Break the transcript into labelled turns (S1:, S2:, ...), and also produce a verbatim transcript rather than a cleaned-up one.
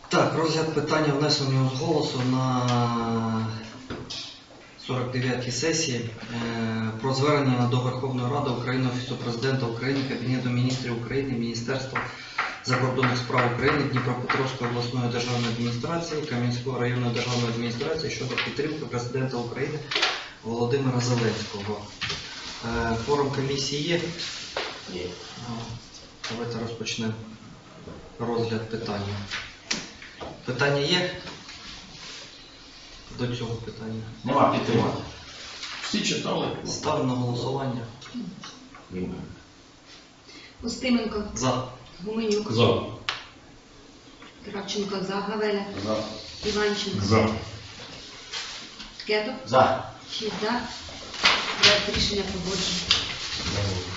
S1: Так, розгляд питання внесеного з голосу на сорок дев'ятій сесії е, про звернення до Верховної Ради України, Офісу Президента України, Кабінету Міністрів України, Міністерства закордонних справ України, Дніпропетровської обласної державної адміністрації, Кам'янської районної державної адміністрації щодо підтримки Президента України Володимира Зеленського. Е, форум комісії є?
S2: Є.
S1: Давайте розпочнемо розгляд питання. Питання є до цього питання?
S2: Нема підтримати. Всі читали?
S1: Ставлю на голосування.
S2: Немає.
S3: Устименко,
S1: За.
S3: Гуменюк,
S2: За.
S3: Кравченко, за, Гавеля,
S2: За.
S3: Іванченко,
S2: За.
S3: Кетов,
S2: За.
S3: шість за. Проект рішення погоджено.